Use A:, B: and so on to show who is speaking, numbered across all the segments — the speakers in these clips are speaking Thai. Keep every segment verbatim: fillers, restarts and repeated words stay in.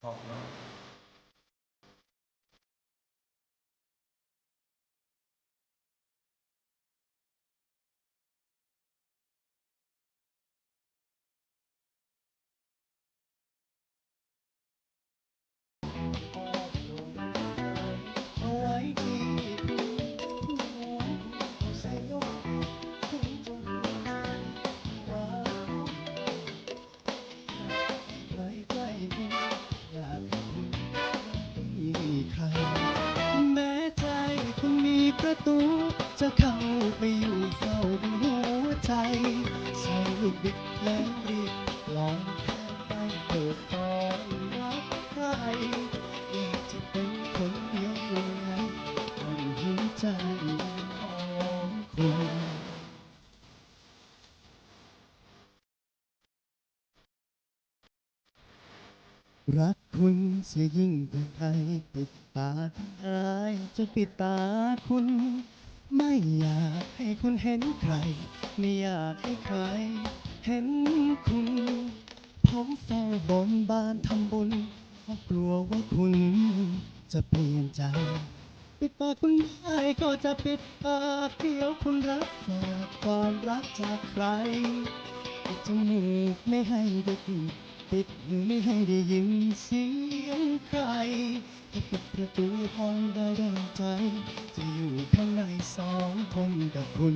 A: เพราะเนาะเอาไว้ที่หัวใส่ยกถึงจนว่าใกล้ใกล้คุณอยากให้คุณมีใครแม้ใจคุณมีประตูจะเข้าไปอยู่เฝ้าในหัวใจใส่ลูกบิดแล้วรีบลองแค่ไปเปิดตอนรับใครอยากจะเป็นคนเดียวในหัวใจของคุณ รักคุณเสียยิ่งกว่าใครปิดตาทั้งอายจะปิดตาคุณ ไม่อยากให้คุณเห็นใคร ไม่อยากให้ใครเห็นคุณผมเฝ้าบนบานทำบุญเพราะกลัวว่าคุณจะเปลี่ยนใจ ปิดปากคุณได้ก็จะปิดปากเดี๋ยวคุณรับฝากความรักจากใครปิดจมูกไม่ให้ได้กลิ่นปิดหูไม่ให้ได้ยินเสียงใครถ้าปิดประตูห้องได้ดังใจ จะอยู่ข้างในสองคนกับคุณ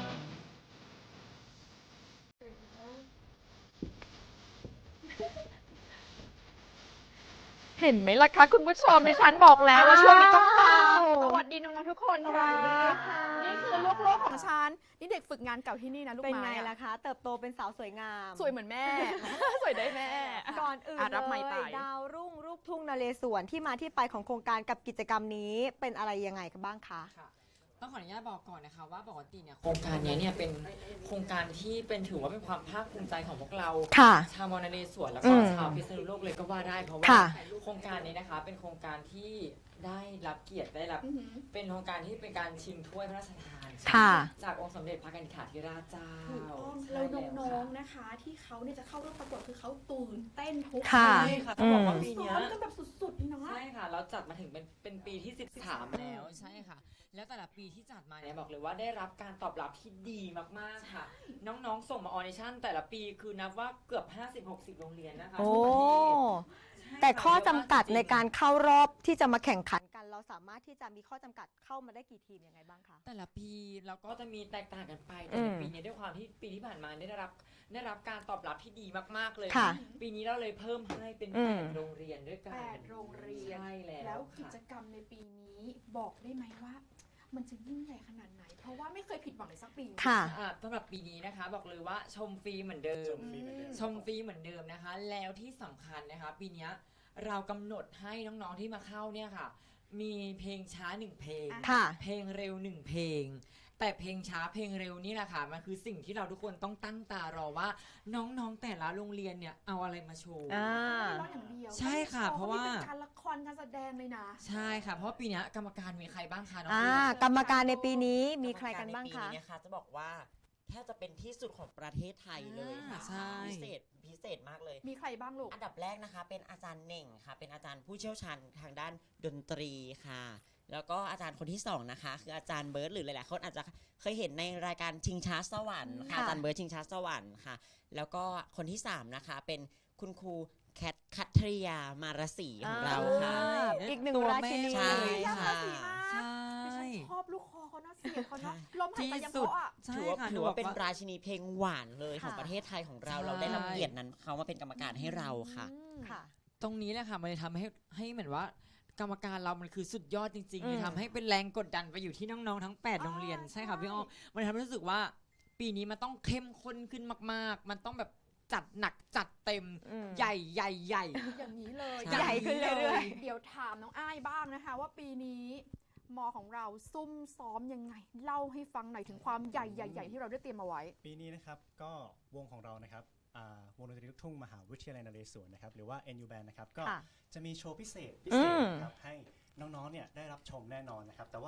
B: เห็นไหมล่ะคะคุณผู้ชมดิฉันบอกแล้วว่าช่วงนี้ต้องฟังสวัสดีน้องๆทุกคนค่ะนี่คือลูกๆของฉันนี่เด็กฝึกงานเก่าที่นี่นะลูก
C: เป็น
B: ไม้
C: ไง
B: อะ
C: ล่ะคะ เติบโตเป็นสาวสวยงาม
B: สวยเหมือนแม่ สวยได้แม่
C: ก่อนอื่น
B: อ่ะรับไม
C: เล
B: ค์ไป
C: ยดาวรุ่งลูกทุ่งนเรศวรที่มาที่ไปของโครงการกับกิจกรรมนี้เป็นอะไรยังไงกันบ้างคะ
D: ค่ะต้องขออนุญาตบอกก่อนนะคะว่าปกติเนี่ยโครงการนี้เนี่ยเป็นโครงการที่เป็นถือว่าเป็นความภาคภูมิใจของพวกเรา
C: ค่ะ
D: ชาวมอญนเรศวรแล้ว
C: อื
D: ก็
C: ม
D: ชาวพิษณุโลกเลยก็ว่าได้เพราะว่า
C: ค่ะ
D: โครงการนี้นะคะเป็นโครงการที่ได้รับเกียรติได้รับ
B: อือหือ
D: เป็นโครงการที่เป็นการชิงถ้วยพระราชทาน
C: ค่ะ
D: จากองค์สมเด็จพระกนิษฐาธิราชเจ้า
E: ถูกต้อง
D: ใช่
E: แล้ว
D: ค่ะ
E: น้องๆนะคะ ที่เขาเนี่ยจะเข้าร่วมประกวดคือเขาตื่นเต้นทุก
C: ค่ะ
D: ใช่ค่ะต้องบอกว่าปี
E: ซ้
D: เนี้
E: อย มกันแบบสุดๆนี่เนาะ
D: ใช่ค่ะเราจัดมาถึงเป็นเป็นปีที่สิบสามแล้วใช่ค่ะ แล้วแต่ละปีที่จัดมาเนี่ยบอกเลยว่าได้รับการตอบรับที่ดีมากๆค่ะ น้องๆส่งมาออดิชั่นแต่ละปีคือนับว่าเกือบ ห้าสิบหกสิบ โรงเรียนนะคะ
C: โอ้
D: ทั่วประเทศใช่
C: แต่
D: ค่ะ
C: ข้อจำกัด
D: เยะม
C: ใน
D: จงๆ
C: การเข้ารอบที่จะมาแข่งขันกัน เราสามารถที่จะมีข้อจำกัดเข้ามาได้กี่ทีมยังไงบ้างคะ
D: แต่ละปีเราก็จะมีแตกต่างกันไปแต่
C: อื
D: ใน
C: ม
D: ปีนี้ด้วยความที่ปีที่ผ่านมาได้รับได้รับการตอบรับที่ดีมากๆเลย
C: ค่ะ
D: ปีนี้เราเลยเพิ่มให้เป็น
C: อื
D: แป
C: ม
D: ดโรงเรียนด้วยกัน
E: แปดโรงเรียน
D: ใช่แล้ว
E: แล้วกิ
D: ค่ะ
E: จกรรมในปีนี้บอกได้ไหมว่า มันจะยิ่งใหญ่ขนาดไหน เพราะว่าไม่เคยผิดหวังเลยสักปี
C: ค่ะ
D: อ่ะสำหรับปีนี้นะคะบอกเลยว่าชมฟรีเหมือนเดิม
E: อืม
D: ชมฟรีเหมือนเดิมนะคะ แล้วที่สำคัญนะคะ ปีเนี้ยเรากำหนดให้น้องๆที่มาเข้าเนี่ยค่ะ มีเพลงช้าหนึ่งเพลง
C: ค่ะ
D: เพลงเร็วหนึ่งเพลง แต่เพลงช้าเพลงเร็วนี่แหละค่ะมันคือสิ่งที่เราทุกคนต้องตั้งตารอว่าน้องๆแต่ละโรงเรียนเนี่ยเอาอะไรมาโชว์
C: อ่า
E: ไม่ร้องอย่างเดียว
D: ใช่ค่ะเพราะว่า
E: เป็นการละครการแสดงเลยนะ
D: ใช่ค่ะ เพราะว่าปีเนี้ยกรรมการมีใครบ้างคะน้อง
C: อ่า
D: เฟิร์น
C: กรรมการในปีนี้มีใครกันบ้าง
F: กรรม
C: คะ
F: กรในปีนี้นะคะจะบอกว่าแทบจะเป็นที่สุดของประเทศไทยเลยค่ะ
D: ใช่
F: พิเศษพิเศษมากเลย
E: มีใครบ้างลูก
F: อันดับแรกนะคะ เป็นอาจารย์เหน่งค่ะ เป็นอาจารย์ผู้เชี่ยวชาญทางด้านดนตรีค่ะ แล้วก็อาจารย์คนที่สองนะคะ คืออาจารย์เบิร์ตหรือหลายๆคนอาจจะเคยเห็นในรายการชิงช้าสวรรค์ค่ะ
C: ค่ะ
F: อาจารย์เบิร์ตชิงช้าสวรรค์ค่ะ แล้วก็คนที่สามนะคะเป็นคุณครูแคทคัทริยามารสีของเราค่ะ
C: อ่าอีกหนึ่ง
D: ตัว
C: รา
D: แม่
C: ชินี
F: ใช่
E: ค่ะ
D: ใช่
E: ดิฉันชอบลูกคอเขานะเสียงเขาเนาะ
F: ใช่
E: ลมหายใจ
D: ที่
E: ยัง
D: สุด
E: เพราะอ่ะ
D: ใช่
F: ถือว่า
D: ค่ะ
F: ถือว่า
D: ห
F: เป็น
D: บอก
F: ราชินีเพลงหวานเลยของ
C: ค่ะ
F: ประเทศไทยของเรา
D: ใช่
F: เราได้รับเกียรตินั้นเขามาเป็นกรรมการให้เราค่ะ
C: อืมค่ะ
D: ตรงนี้แหละค่ะมันเลยทำให้ให้เหมือนว่ากรรมการเรามันคือสุดยอดจริงๆ
C: อืม
D: เลยทำให้เป็นแรงกดดันไปอยู่ที่น้องๆทั้งแปดโรงเรียนใช่ค่ะพี่อ้อมมันเลยทำให้รู้สึกว่า ปีนี้มันต้องเข้มข้นขึ้นมากๆ มันต้องแบบจัดหนักจัดเต็ม
C: อืม
D: ใหญ่ใหญ่ใหญ่
E: อย่างนี้เลย
F: ใช่
C: ใหญ่ขึ้นเรื่อย
E: เดี๋ยวถามน้องอ้ายบ้างนะคะ ว่าปีนี้มอของเราซุ่มซ้อมยังไง เล่าให้ฟังหน่อยถึงความใหญ่ใหญ่ๆที่เราได้เตรียมมาไว้
A: ปีนี้นะครับก็วงของเรานะครับอ่าวงดนตรีลูกทุ่งมหาวิทยาลัยนเรศวรนะครับหรือว่า เอ็น ยู Band นะครับก็
C: ค่ะ
A: จะมีโชว์พิเศษพิ
C: อื
A: เศษ
C: ม
A: นะครับให้น้องๆเนี่ยได้รับชมแน่นอนนะครับแต่ว่า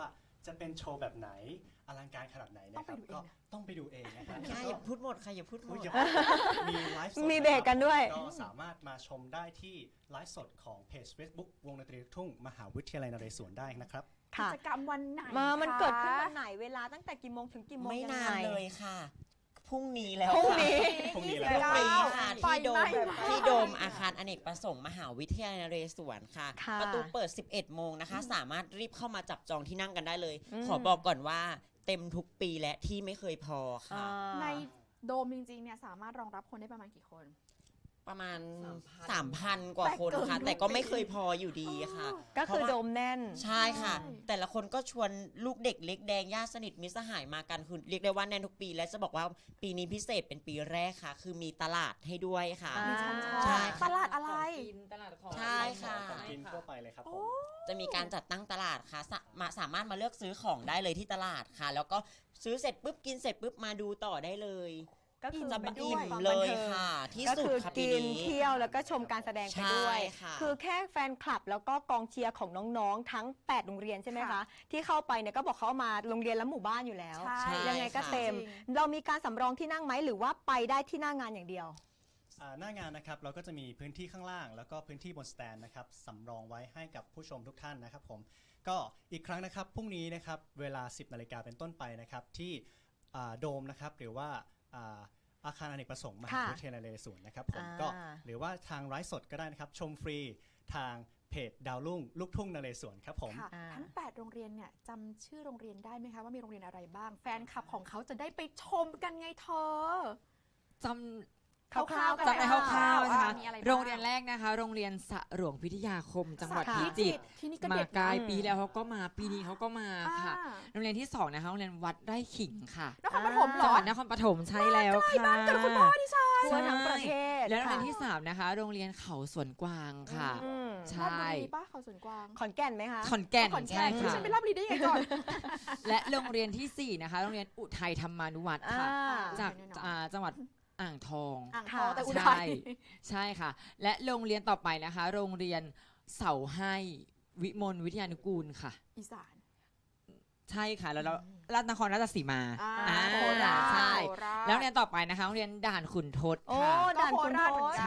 A: จะเป็นโชว์แบบไหนอลังการขนาดไหนนะครับก็ต้องไปดูเองนะครับ
F: อย่าอย่าพูดหมดค่ะอย่าพูดหมด
A: อย่ามีไลฟ์สด
C: มีเบรกกันด้วย
A: ก็สามารถมาชมได้ที่ไลฟ์สดของเพจ Facebook วงดนตรีลูกทุ่งมหาวิทยาลัยนเรศวรได้นะครับ
E: กิ
C: ค่ะ
E: จกรรมวันไหน
C: มามัน
E: คะ
C: เกิดขึ้นวันไหนเวลาตั้งแต่กี่โมงถึงกี่โมง
F: ไม่
C: ยัง
F: นา
C: ไง
F: นเลยค่ะพรุ่งนี้แล้ว
C: พรุ่งนี้
A: พรุ่งนี้
F: พ
A: แล้
F: รุ่
A: ว
F: งนี้ค่ะ
E: ไฟ
F: ที่โด
E: ไหม้
F: มที่โดมอาคารอเนกประสงค์มหาวิทยาลัยนเรศวรค่ะ
C: ค่ะ
F: ประตูเปิด สิบเอ็ด โมงนะคะ สามารถรีบเข้ามาจับจองที่นั่งกันได้เลย
C: อืม
F: ขอบอกก่อนว่าเต็มทุกปีและที่ไม่เคยพอ
C: อ่า
F: ค่ะ
E: ในโดมจริงๆเนี่ยสามารถรองรับคนได้ประมาณกี่คน
F: ประมาณ
D: สามพัน
F: สามพัน กว่าคนค่ะ
E: แต่เกิน
F: แต่ก็ไม่เคยพออยู่ดีค่ะ
C: ก็คือโดมแน่น
F: ใช่ค่ะ
E: ใช่
F: แต่ละคนก็ชวนลูกเด็กเล็กแดงญาติสนิทมิตรสหายมากันคือเรียกได้ว่าแน่นทุกปี และจะบอกว่าปีนี้พิเศษเป็นปีแรกค่ะ คือมีตลาดให้ด้วยค่ะ
C: อ่า
E: ดิฉันชอบ
F: ใช่
E: ตลาดอะไร
D: ของกินตลาดของ
F: ใช่ค่ะ
A: ของกินทั่วไปเลยครับผม
F: จะมีการจัดตั้งตลาดค่ะสามาสามารถมาเลือกซื้อของได้เลยที่ตลาดค่ะ แล้วก็ซื้อเสร็จปุ๊บกินเสร็จปุ๊บมาดูต่อได้เลย
C: ก็คือ
F: จะ
C: ไป
F: อิ่
C: ด้วย
F: ม
C: ความ
F: เล
C: บัน
F: ย
C: เทิง
F: ค่ะ ที่
C: ก็
F: สุด
C: คือ
F: ค่ะปี
C: กิน
F: นี้
C: เที่ยวแล้วก็ชมการแสดงไปด้วย
F: ใช่ค่ะ
C: คือแค่แฟนคลับแล้วก็กองเชียร์ของน้องๆ ทั้ง แปด โรงเรียนใช่ไหมคะ
E: ค่ะ
C: ที่เข้าไปเนี่ยก็บอกเขาเอามาโรงเรียนและหมู่บ้านอยู่แล้ว
E: ใช่
F: ใช่
C: ยังไงก็
F: ค่ะ
C: เต็ม
E: จริง
C: เรามีการสำรองที่นั่งไหมหรือว่าไปได้ที่หน้างานอย่างเดียว
A: อ่าหน้างานนะครับเราก็จะมีพื้นที่ข้างล่าง แล้วก็พื้นที่บนสแตนนะครับสำรองไว้ให้กับผู้ชมทุกท่านนะครับผมก็อีกครั้งนะครับพรุ่งนี้นะครับเวลา สิบนาฬิกาเป็นต้นไปนะครับที่อ่าโดมนะครับหรือว่าอ่าอาคารอเนกประสงค์มหาวิทยาลัยนเรศวรนะครับผม
C: อ่า
A: ก็หรือว่าทางไลฟ์สดก็ได้นะครับชมฟรีทางเพจดาวรุ่งลูกทุ่งนเรศวรครับผม
E: ค่ะ
C: อ่า
E: ทั้ง แปด โรงเรียนเนี่ยจำชื่อโรงเรียนได้ไหมคะว่ามีโรงเรียนอะไรบ้าง แฟนคลับของเขาจะได้ไปชมกันไงเธอ
G: จ
C: คร่าวๆ
G: ำจำได้คร่าวๆนะคะ
E: มีอะไรบ้าง
G: โรงเรียนแรกนะคะ โรงเรียนสะหลวงพิทยาคม จังหวัด
C: ค่ะ
G: พิจิตร
E: ที่นี่ก็
G: มา
E: เด็ด
G: ไกล
E: นะ
G: ปีแล้วเขาก็มาปีนี้เขาก็มาค่ะ
E: อ่า
G: โรงเรียนที่สองนะคะโรงเรียนวัดไร่ขิงค่ะ
E: นครปฐมเหร
G: จัง
E: อ
G: หวัดนครปฐมใช่แล้วค่ะ
E: เกิดคุณพ่อดิฉัน
C: ทั่วทั้งประเทศ
G: แล้วโรงเรียน
C: ค่ะ
G: ที่สามนะคะ โรงเรียนเขาสวนกวางค่ะ
C: อืม
G: ใช่
E: ราชบุรีป้าเขาสวนกวาง
C: ขอนแก่นไหมคะ
G: ขอนแก่น
E: ขอนแก่
G: ใช่
E: นที่
G: ค่ะ
E: ฉันไปราชบุรีได้ยังไงก่อน
G: และโรงเรียนที่สี่นะคะ โรงเรียนอุทัยธรรมานุวัฒน์ค่ะ
C: อ่า
G: จาก
E: แน่นอน
G: อ่าจังหวัดอ่างทอง
E: อ่างทองแต่อุ
G: ใช่
E: ทัย
G: ใช่ค่ะ และโรงเรียนต่อไปนะคะ โรงเรียนเสาให้วิมลวิทยานุกูลค่ะ
E: อีสาน
G: ใช่ค่ะ แล้วเราราชนครราชสีมา
E: อ่า
G: อ่า
E: โคราช
G: ใช่
E: โคราช
G: แล้วโรงเรียนต่อไปนะคะโรงเรียนด่านขุนทด
C: โอ้
G: ค่ะ
C: ด่านคุณ
E: ก็โคราชเหมื
C: โท
E: อน
C: ษ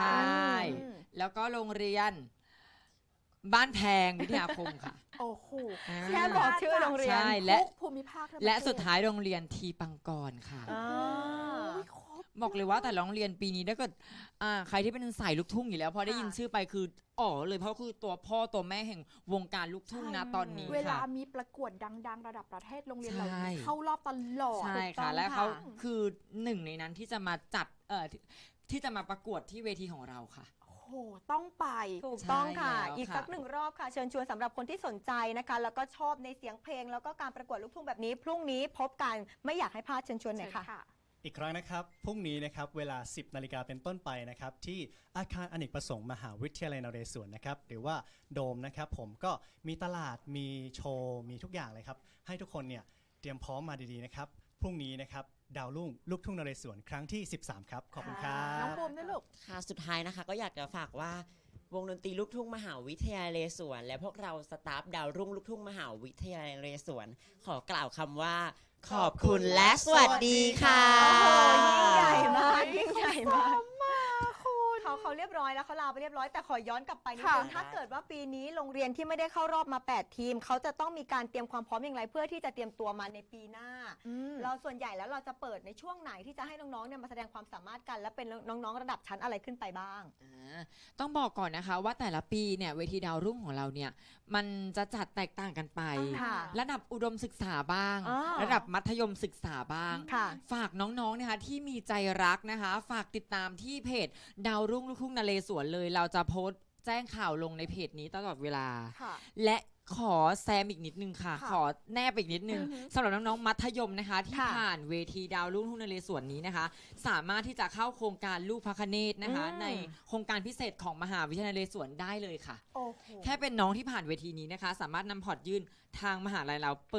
E: กัน
G: ใช่
E: อืม
G: แล้วก็โรงเรียนบ้านแพงวิทยาคมค่ะ
E: โอ้โห
G: อ่า
C: แค่บอกชื่อโรงเรียน
G: ใช่และ
E: ทุกภูมิภาคทั่วประเทศ
G: และสุดท้ายโรงเรียนทีปังกรค่ะ
C: อ่า
E: โอ้ยครบ
G: บอกเลยว่าแต่ละโรงเรียนปีนี้ถ้าเกิดอ่าใครที่เป็นสายลูกทุ่งอยู่แล้วพอได้ยิน
E: ค่ะ
G: ชื่อไปคืออ๋อเลยเพราะคือตัวพ่อตัวแม่แห่งวงการลูกทุ่งนะตอนนี้
E: เวลา
G: ค่ะ
E: มีประกวดดัง ๆ ระดับประเทศโรงเรียนเหล่า
G: ใช่
E: นี้เข้ารอบตลอด
G: ใช่
C: ถูกต้
G: ค่ะ
C: อง
G: และ
C: ค่ะ
G: เขาคือหนึ่งในนั้นที่จะมาจัดเอ่อที่ที่จะมาประกวดที่เวทีของเราค่ะ
E: โอ้โห ต้องไป
C: ถูกต้องค่ะ
G: ใช่แล้ว
C: อีก
G: ค่ะ
C: สักหนึ่งรอบค่ะ เชิญชวนสำหรับคนที่สนใจนะคะ แล้วก็ชอบในเสียงเพลง แล้วก็การประกวดลูกทุ่งแบบนี้ พรุ่งนี้พบกันไม่อยากให้พลาดเชิญชวนหน่อยค่ะ
A: อีกครั้งนะครับพรุ่งนี้นะครับเวลา สิบนาฬิกาเป็นต้นไปนะครับที่อาคารอเนกประสงค์มหาวิทยาลัยนเรศวรนะครับหรือว่าโดมนะครับผมก็มีตลาดมีโชว์มีทุกอย่างเลยครับให้ทุกคนเนี่ยเตรียมพร้อมมาดีๆนะครับพรุ่งนี้นะครับดาวรุ่งลูกทุ่งนเรศวรครั้งที่ สิบสาม ครับขอบคุณครั
E: น้อง
A: บ
E: ปูมด้วยลูก
F: ค่ะสุดท้ายนะคะก็อยากจะฝากว่าวงดนตรีลูกทุ่งมหาวิทยาลัยนเรศวรและพวกเราสตาฟดาวรุ่งลูกทุ่งมหาวิทยาลัยนเรศวรขอกล่าวคำว่า ขอบคุณและสวัสดีค่ะ
C: โอ้โหยิ่งใหญ่มากยิ่งใหญ่มาก
E: คุณ
C: เขาเขาเรียบร้อยแล้วเขาลาไปเรียบร้อยแต่ขอย้อนกลับไปนิด
E: ค่ะ
C: นึงถ้าเกิดว่าปีนี้โรงเรียนที่ไม่ได้เข้ารอบมา แปด ทีม เขาจะต้องมีการเตรียมความพร้อมอย่างไรเพื่อที่จะเตรียมตัวมาในปีหน้า
E: อืม
C: เราส่วนใหญ่แล้วเราจะเปิดในช่วงไหนที่จะให้น้องๆเนี่ยมาแสดงความสามารถกัน และเป็นน้องๆระดับชั้นอะไรขึ้นไปบ้าง
G: อ่าต้องบอกก่อนนะคะว่าแต่ละปีเนี่ยเวทีดาวรุ่งของเราเนี่ยมันจะจัดแตกต่างกันไป
C: ค่ะ
G: ระดับอุดมศึกษาบ้าง
C: อ่า
G: ระดับมัธยมศึกษาบ้าง
C: ค่ะ
G: ฝากน้องๆนะคะที่มีใจรักนะคะ ฝากติดตามที่เพจดาวรุ่งลูกทุ่งนเรศวรเลย เราจะโพสต์แจ้งข่าวลงในเพจนี้ตลอดเวลา
E: ค่ะ
G: และขอแซมอีกนิดนึงค่ะ
E: ค่ะ
G: ขอแนบอีกนิดนึง
E: อือหือ
G: สำหรับน้องๆมัธยมนะคะ ที่
C: ค่ะ
G: ผ่านเวทีดาวรุ่งทุ่งนเรศวรนี้นะคะ สามารถที่จะเข้าโครงการลูกพระคเนศนะคะ
C: อืม
G: ในโครงการพิเศษของมหาวิทยาลัยนเรศวรได้เลยค่ะ
E: โอ้โห
G: แค่เป็นน้องที่ผ่านเวทีนี้นะคะ สามารถนำพอร์ตยื่นทางมหาลัยเราเปิด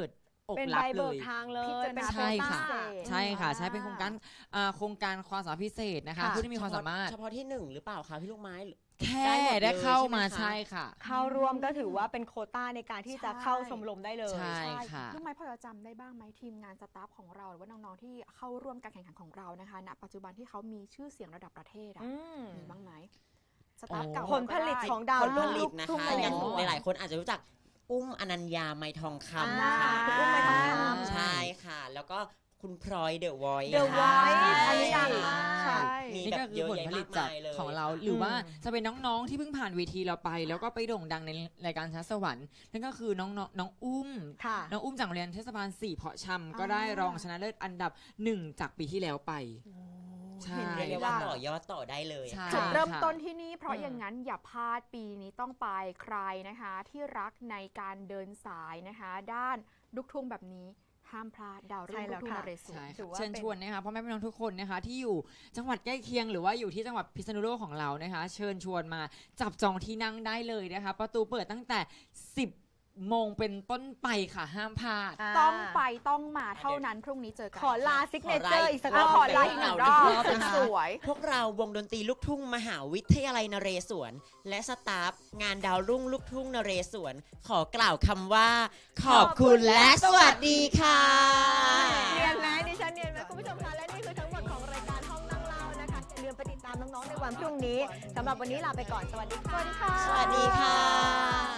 G: อก
C: เป็น
G: รั
C: ใบบ
G: เล
C: เบิก
G: ย
C: ทางเลย
E: พิจารณา
C: เป็น
G: ใช่ค่ะ
C: โควต้า
G: ใช่ค่ะ ใช่เป็นโครงการอ่าโครงการความสามารถพิเศษนะคะ
C: ค่ะ
G: ผู้ที่มีความสามารถ
F: เฉพาะที่หนึ่งหรือเปล่าคะพี่ลูกไม้
G: แค่
F: ได้หมดเลย
G: ได้เข้ามา
F: ใช่
G: ใช่
F: ไหมคะ
G: ค่ะ
C: เข้าร่วมก็ถือว่าเป็นโควต้าในการที่จะเข้าชมรมได้เลย
G: ใช่ ค่ะ
E: ลูกไม้พอจะจำได้บ้างไหมทีมงานสตาฟของเราหรือว่าน้องๆที่เข้าร่วมการแข่งขันของเรานะคะณปัจจุบันที่เขามีชื่อเสียงระดับประเทศอะ
C: อืม
E: มีบ้างไหมสตาฟ
G: โอ้
E: เก่า
C: ผลผลิตของดาว
F: ผลผ
C: รุ่ง
F: ลิ
C: ลู
F: ต
C: ก
F: นะ
C: ทุ่ง
F: คะ
C: น
F: อย่าง
C: เรศวร
F: หลายๆคนอาจจะรู้จักอุ้มอนัญญาไมทองคำ
C: อ่า
F: ค่ะ
C: คุณอุ้มไมทองคำ
F: ใช่ค่ะ แล้วก็คุณพลอยเดอะวอย
C: The
F: ค่ะ
C: Voice อันนี้ดังมาก
E: ใช่
F: มี
G: นี่
F: แบ
G: ก็
F: บ
G: คื
F: เย
G: อ
F: อะ
G: ผล
F: แยะ
G: ผลิ
F: มา
G: ต
F: ก
G: จาก
F: มายเลย
G: ของเรา หรือว่าจะเป็นน้องๆที่เพิ่งผ่านเวทีเราไป แล้วก็ไปโด่งดังในรายการชัดสวรรค์นั่นก็คือน้องๆน้องอุ้ม
C: ค่ะ
G: น้องอุ้มจากโรงเรียนเทศบาลสี่เพาะชำก็ได้รองชนะเลิศอันดับหนึ่งจากปีที่แล้วไป ใช่
E: เห็นไหม
F: เรียกได้ว่าต่อยอดต่อได้เลย
G: ใช่
E: จุดเริ่ม
G: ค่ะ
E: ต้นที่นี่เพราะ
C: อืม
E: อย่างนั้นอย่าพลาดปีนี้ต้องไปใครนะคะ ที่รักในการเดินสายนะคะ ด้านลูกทุ่งแบบนี้ห้ามพลาดดาวรุ่งลูกทุ่งนเรศว
G: ใช่
E: ร
C: ถื
G: ค่ะ
C: อว่า
G: เชิญ
C: เป็น
G: ชวนนะคะพ่อแม่พี่น้องทุกคนนะคะที่อยู่จังหวัดใกล้เคียงหรือว่าอยู่ที่จังหวัดพิษณุโลกของเรานะคะ เชิญชวนมาจับจองที่นั่งได้เลยนะคะ ประตูเปิดตั้งแต่ สิบโมงเป็นต้นไปค่ะห้ามพลาด
C: า
E: ต้องไปต้องมาเท่านั้นพรุ่งนี้เจอกัน
C: ขอลาซิกเนเจอร์อีกสักร
E: อ่ะ
C: อบ
E: ขอไลน์อีกหนึ่งรอบ
F: รอบนะคะ
E: สวย
F: พวกเราวงดนตรีลูกทุ่งมหาวิทยาลัยนเรศวรและสตาฟงานดาวรุ่งลูกทุ่งนเรศวรขอกล่าวคำว่า ขอบคุณและสวัสดีค่ะ
C: เนียนไหมดิฉันเนียนไหมคุณผู้ชมคะและนี่คือทั้งหมดของรายการห้องนั่งเล่านะคะอย่าลืมไปติดตามน้องๆในวันพรุ่งนี้สำหรับวันนี้ลาไปก่อนสวัสดีค่ะ
F: สวัสดีค่ะ